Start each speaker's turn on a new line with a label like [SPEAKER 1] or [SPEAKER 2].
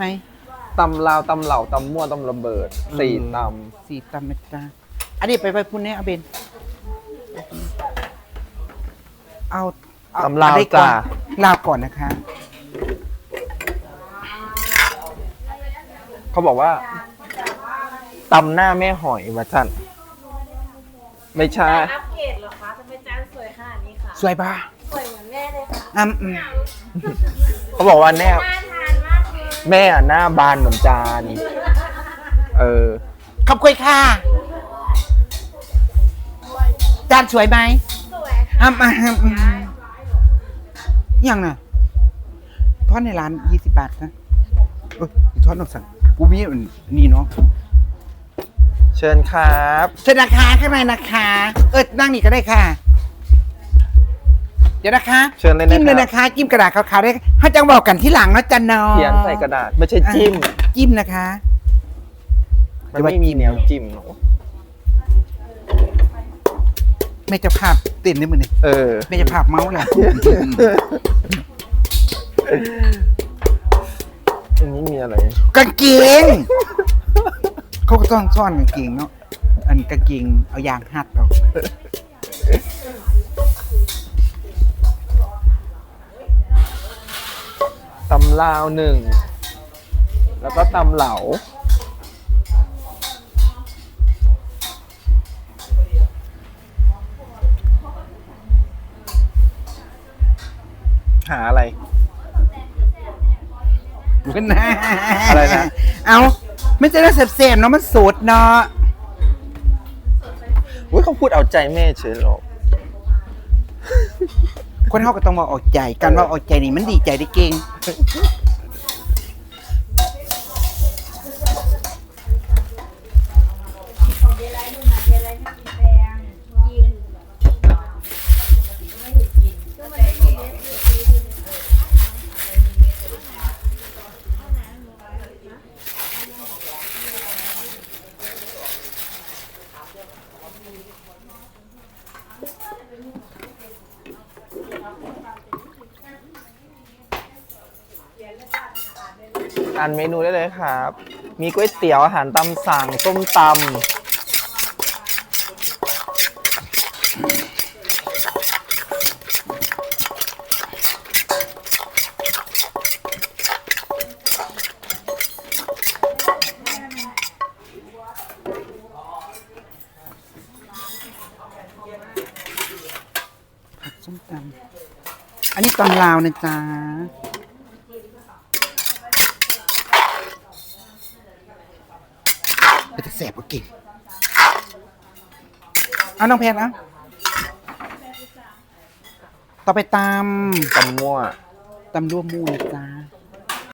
[SPEAKER 1] ไหม
[SPEAKER 2] ตำลาวตำเหล่าตำมั่วตำระเบิดสี่ต
[SPEAKER 1] สี่ตำนะจ๊ะอันนี้ไปพุ่นเนี่ยเอาเบนเอา
[SPEAKER 2] ำตำลาว
[SPEAKER 1] อะไรก่อ
[SPEAKER 2] จ้าน
[SPEAKER 1] ลาวก่อนนะคะ
[SPEAKER 2] เขาบอกว่าตำหน้าแม่หอยมาท่านไม่ใช่
[SPEAKER 3] อัปเกรดเหรอคะทำไมจานสวยขนาดนี้คะ
[SPEAKER 1] สวยป่ะ
[SPEAKER 3] สวยเหมือนแม่เลยค่ะ
[SPEAKER 2] เขาบอกว่าแน่
[SPEAKER 3] น่าทานมากเลย
[SPEAKER 2] แม่อะหน้าบานเหมือนจาน
[SPEAKER 1] ขอบคุณค่ะจานสวยไหม
[SPEAKER 3] สวยค่ะ
[SPEAKER 1] ยังน่ะทอดในร้าน20 บาทนะทอดนอกสั่งกูมีอันนี่เนาะ
[SPEAKER 2] เชิญครับ
[SPEAKER 1] เชิญนะคะข้างในนะคะ นั่งนี่ก็ได้ค่ะ เดี๋ยวนะคะ
[SPEAKER 2] เชิญเลยนะ
[SPEAKER 1] จิ้มเลย
[SPEAKER 2] ค
[SPEAKER 1] นะ
[SPEAKER 2] รับ
[SPEAKER 1] คะจิ้มกระดาษขาวๆได้ถ้าจังบอกกันที่หลังนะจันนอ
[SPEAKER 2] เขียนใส่กระดาษไม่ใช่จิ้ม
[SPEAKER 1] จิ้มนะคะ
[SPEAKER 2] มันไม่มีแนวจิ้มหรอก
[SPEAKER 1] ไม่จะภาพเต้นได้มือนี่ไม่จะภาพเมาส์เลย
[SPEAKER 2] อันนี้มีอะไร
[SPEAKER 1] กางเกงเขาก็ต้องซ่อนกางเกงเนาะอันกางเกงเอายางหัดเอา
[SPEAKER 2] ตำลาวหนึ่งแล้วก็ตำเหลาหาอะไร
[SPEAKER 1] นะ
[SPEAKER 2] อะไรนะ
[SPEAKER 1] เอาไม่ใช่ว่าเสพๆเนาะมันสดเนาะ
[SPEAKER 2] อุ้ยเขาพูดเอาใจแม่เฉยหรอก
[SPEAKER 1] คนเขาก็ต้องมาออกใจการว่าออกใจนี่มันดีใจได้เก่ง
[SPEAKER 2] อ่านเมนูได้เลยครับ มีก๋วยเตี๋ยวอาหารตามสั่งส้มต
[SPEAKER 1] ส้มตำอันนี้ตำลาวนะจ๊ะเป็นแต่แสบกว่าเก่งเอาน้องแพนเอาต่อไปต
[SPEAKER 2] ำตำมั่ว
[SPEAKER 1] ำร่วมมูนะจ๊ะ